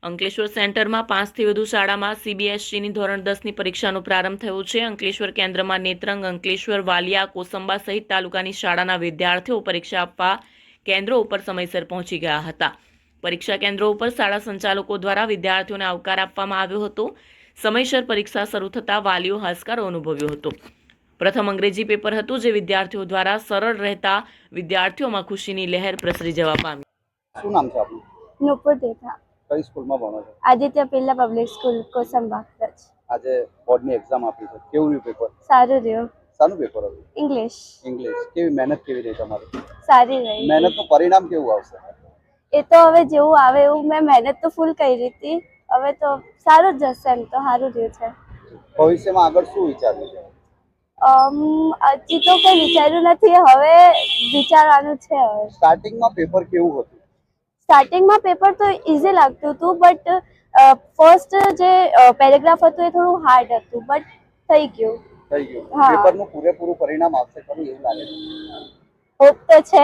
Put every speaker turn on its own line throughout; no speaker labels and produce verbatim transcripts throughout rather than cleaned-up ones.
અંકલેશ્વર સેન્ટરમાં પાંચથી વધુ શાળામાં સીબીએસઈની ધોરણ દસની પરીક્ષાનો પ્રારંભ થયો છે. અંકલેશ્વર કેન્દ્રમાં નેત્રંગ, અંકલેશ્વર, વાલિયા, કોસંબા સહિત તાલુકાની શાળાના વિદ્યાર્થીઓ પરીક્ષા આપવા કેન્દ્રો ઉપર સમયસર પહોંચી ગયા હતા. પરીક્ષા કેન્દ્રો ઉપર શાળા સંચાલકો દ્વારા વિદ્યાર્થીઓને આવકાર આપવામાં આવ્યો હતો. સમયસર પરીક્ષા શરૂ થતાં વાલીઓ હાશકારો અનુભવ્યો હતો. પ્રથમ અંગ્રેજી પેપર હતું, જે વિદ્યાર્થીઓ દ્વારા સરળ રહેતા વિદ્યાર્થીઓમાં ખુશીની લહેર પ્રસરી જવા પામી.
શું નામ છે આપનું?
નુપુર દેથા.
કઈ સ્કૂલમાં ભણો છો?
Aditya Birla public school Kosamba.
આજે બોર્ડની એક્ઝામ આપી છે, કેવું રહ્યું પેપર?
સારું રહ્યું.
શાનું પેપર હતું?
ઇંગ્લિશ.
ઇંગ્લિશ. કેવી મહેનત કેવી રહી તમારી?
સારી રહી.
મહેનતનું પરિણામ કેવું આવશે?
એ તો હવે જેવું આવે એવું. મેં મહેનત તો ફૂલ કરી હતી, હવે તો સારું જ જશે. એમ તો સારું રહ્યું છે.
ભવિષ્યમાં આગળ શું વિચાર્યું છે?
અમ હજી તો કંઈ વિચાર્યું નથી, હવે વિચારવાનું છે. હવે
સ્ટાર્ટિંગમાં પેપર કેવું હતું?
સ્ટાર્ટિંગમાં પેપર તો ઇઝી લાગતું હતું, બટ ફર્સ્ટ જે પેરેગ્રાફ હતું એ થોડું હાર્ડ હતું, બટ થઈ ગયું.
થઈ ગયું.
હા.
પેપરનું પૂરેપૂરું પરિણામ આવશે ખરું એવું લાગે છે?
હોપ તો છે.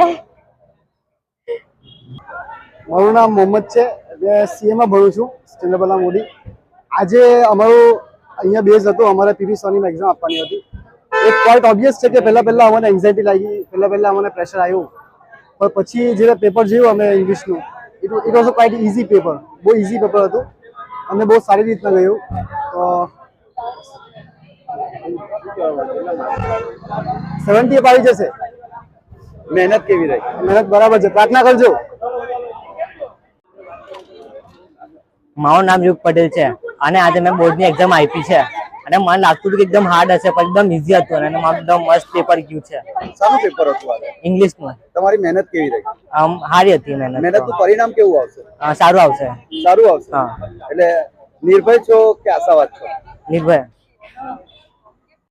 મારું નામ મોહમ્મદ છે. મેં સીએમાં ભણું છું, ચંદ્રબલા મોદી. આજે અમારું અહીંયા બેઝ હતો, અમારે પીવી સોનીમાં એક્ઝામ આપવાની હતી. એક પોઈન્ટ ઓબ્વિયસ છે કે પહેલાં પહેલાં અમને એન્ઝાયટી લાગી, પહેલાં પહેલાં અમને પ્રેશર આવ્યું, પણ પછી જે પેપર જોયું અમે ઇંગ્લિશનું, it it was a quite easy paper. બહુ ઇઝી પેપર હતું, અમને બહુ સારી રીતના ગયું. તો સેવન્ટી અપ આવી જશે.
મહેનત કેવી રહી?
મહેનત બરાબર છે, પ્રાર્થના કરજો.
મારું નામ યુગ પટેલ છે અને આજે મેં બોર્ડની એક્ઝામ આપી છે અને મને લાગતું હતું કે એકદમ હાર્ડ હશે, પણ એકદમ ઇઝી હતું અને મારું એકદમ મસ્ત પેપર ગયું છે.
શાનું પેપર હતું આજે?
ઇંગ્લિશનું.
તમારી મહેનત કેવી રહી?
આમ સારી હતી મહેનત.
મહેનતનું પરિણામ કેવું આવશે?
અ, સારું આવશે.
સારું આવશે.
હા.
એટલે નિર્ભય છો કે આશાવાદ છો?
નિર્ભય.